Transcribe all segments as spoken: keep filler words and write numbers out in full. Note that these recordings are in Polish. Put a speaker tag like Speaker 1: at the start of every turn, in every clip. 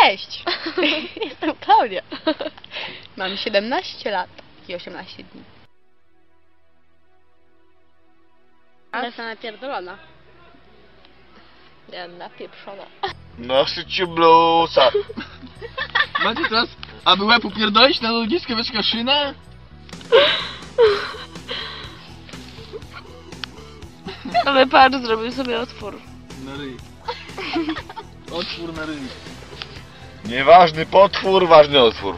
Speaker 1: Cześć! Jestem Klaudia. Mam siedemnaście lat i osiemnaście dni. Ale jestem napierdolona. Ja napieprzona.
Speaker 2: Nosycie blusa.
Speaker 3: Macie teraz, aby łeb upierdolić na ludziskę wieczka szynę?
Speaker 4: Ale patrz, zrobił sobie otwór.
Speaker 3: Na ryj. Otwór na ryj.
Speaker 2: Nieważny potwór, ważny otwór.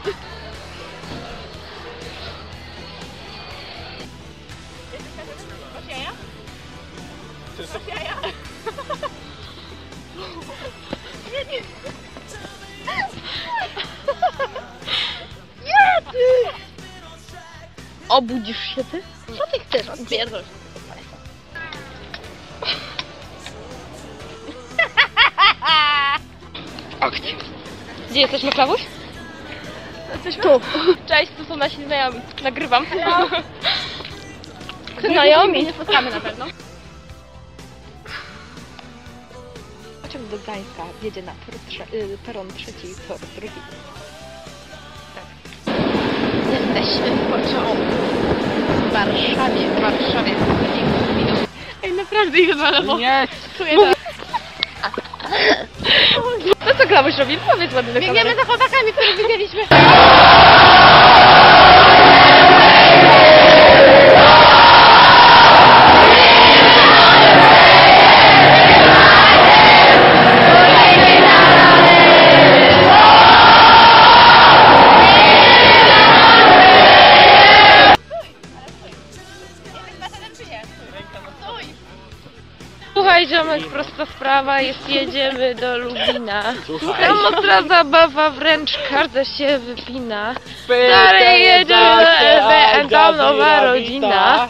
Speaker 1: Obudzisz się ty? Co ty chcesz? Odpierdol się.
Speaker 4: Akcja. Gdzie jesteśmy, Klawuś? Jesteśmy tu. Cześć, tu są nasi znajomi. Nagrywam. No. Znajomi.
Speaker 1: Nie spotkamy na pewno.
Speaker 4: Pociąg do Gdańska jedzie na tor trze y, peron trzeci i tor drugi. Tak.
Speaker 1: Jesteśmy w pociągu. W Warszawie. W Warszawie.
Speaker 4: Ej, naprawdę ich na lewo.
Speaker 3: Nie!
Speaker 4: Czuję to. No co Klawuś robi? Powiedz ładnie do kamery.
Speaker 1: Biegniemy za chłopakami, których widzieliśmy.
Speaker 4: Słuchaj, ziomek, prosta sprawa jest, jedziemy do Lubina. Tam ostra zabawa, wręcz każda się wypina. Stary jedzie do L B, a tam nowa rodzina.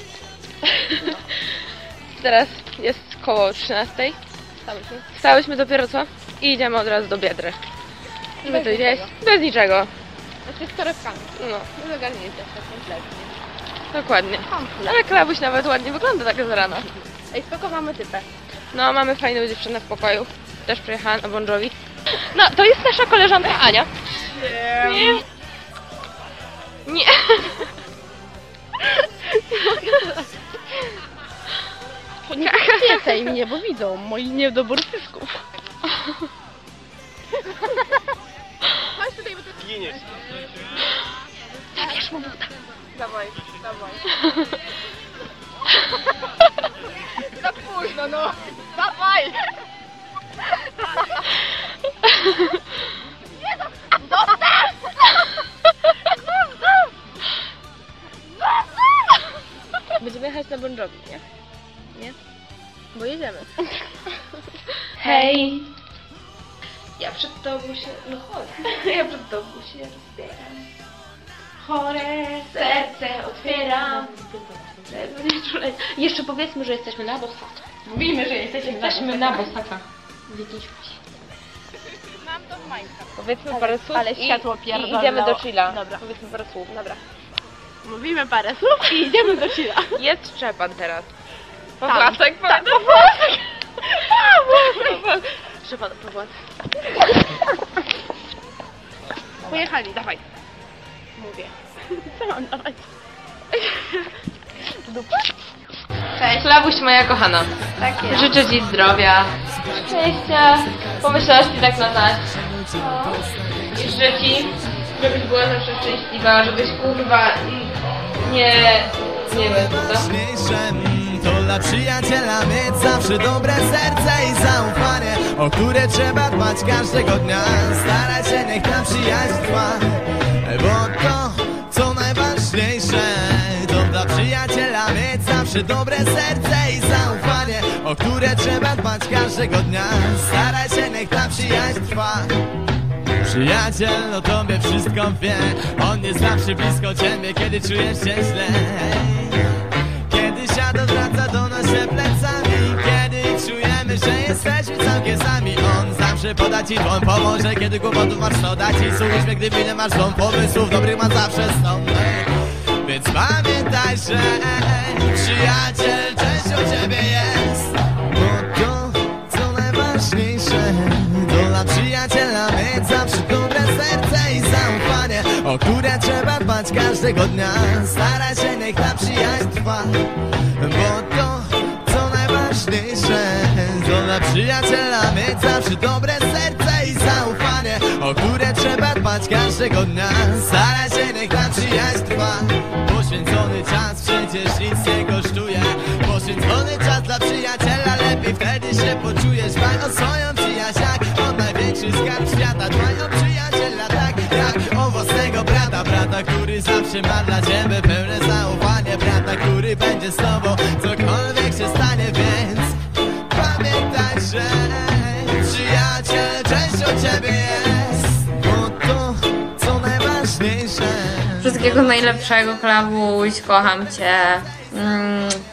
Speaker 4: Teraz jest koło trzynastej. Wstałyśmy dopiero co? I idziemy od razu do Biedry. Żeby to jeść bez niczego.
Speaker 1: Znaczy z torebkami.
Speaker 4: No,
Speaker 1: Nie zagarnięcie jeszcze kompletnie.
Speaker 4: dokładnie. Ale Klawuś nawet ładnie wygląda tak z rana.
Speaker 1: Ej, spoko, mamy typę.
Speaker 4: No, mamy fajną dziewczynę w pokoju. Też przyjechała na Bon Jovi. No, to jest nasza koleżanka Ania. Nie. Nie.
Speaker 1: Nie piesej mnie, bo widzą moi niedobór pysków. Chodź tutaj, bo to...
Speaker 2: Giniesz.
Speaker 4: Zabierz mu buta.
Speaker 1: Dawaj, dawaj. Za późno, no. Dawaj! Nie, zostaw! Zostaw!
Speaker 4: Będziemy jechać na Bon Jovi, nie?
Speaker 1: Nie? Bo jedziemy.
Speaker 4: Hej! Ja przed tobą się... No chodź. Ja przed tobą się rozbieram. Chore serce otwieram. Jeszcze powiedzmy, że jesteśmy na Bosaka.
Speaker 1: Mówimy, że jesteśmy
Speaker 4: Jesteśmy na Bosaka. Widzieliśmy się.
Speaker 1: Mam to w Minecraft.
Speaker 4: Powiedzmy parę słów
Speaker 1: ale
Speaker 4: i,
Speaker 1: światło
Speaker 4: i
Speaker 1: pierdolnęło.
Speaker 4: idziemy do chilla.
Speaker 1: Dobra.
Speaker 4: Powiedzmy parę słów. Dobra.
Speaker 1: Mówimy parę słów i idziemy do chilla.
Speaker 4: Jest Szczepan teraz.
Speaker 1: Tam.
Speaker 4: Pawłasek,
Speaker 1: Tak,
Speaker 4: powiedz.
Speaker 1: Pawłasek.
Speaker 4: Szczepan, Pawłasek.
Speaker 1: Pojechali, dawaj. Mówię. Co mam dawać?
Speaker 4: Cześć. Klawuś, moja kochana.
Speaker 1: Tak jest.
Speaker 4: Życzę ci zdrowia, szczęścia, pomyślności tak na nas. I życzę ci, żebyś była zawsze szczęśliwa, żebyś kurwa nie... nie wiem co.
Speaker 5: To dla przyjaciela mieć zawsze dobre serce i zaufanie, o które trzeba dbać każdego dnia. Starać się, niech ta przyjaźń trwa, bo to, co najważniejsze, to dla przyjaciela mieć zawsze dobre serce i zaufanie, o które trzeba dbać każdego dnia. Staraj się, niech ta przyjaźń trwa. Przyjaciel o tobie wszystko wie, on jest zawsze blisko ciebie, kiedy czujesz się źle. Kiedy świat odwraca do nas się plecami, kiedy czujemy, że jesteśmy całkiem sami, on zawsze poda ci dłoń, pomoże, kiedy kłopotów masz, no da ci służbę, gdy nie masz dom, pomysłów dobrych ma zawsze są. Więc pamiętaj, że przyjaciel częścią ciebie jest, bo to, co najważniejsze, to dla przyjaciela mieć zawsze dobre serce i zaufanie, o które trzeba dbać każdego dnia. Staraj się, niech ta przyjaźń trwa, bo to, co najważniejsze, to dla przyjaciela mieć zawsze dobre serce i zaufanie, o które trzeba dbać każdego dnia. Staraj się, niech ta przyjaźń trwa. Poświęcony czas przecież nic nie kosztuje. Poświęcony czas dla przyjaciela, lepiej wtedy się poczujesz. Dbaj o swoją przyjaźń jak o największy skarb świata. Dbaj o przyjaciela tak jak o własnego brata. Brata, który zawsze ma dla ciebie pełne zaufanie. Brata, który będzie z tobą cokolwiek się stanie. Więc pamiętaj, że przyjaciel częścią ciebie jest, bo to, co najważniejsze.
Speaker 4: Wszystkiego najlepszego, Klawuś, kocham cię. Mm.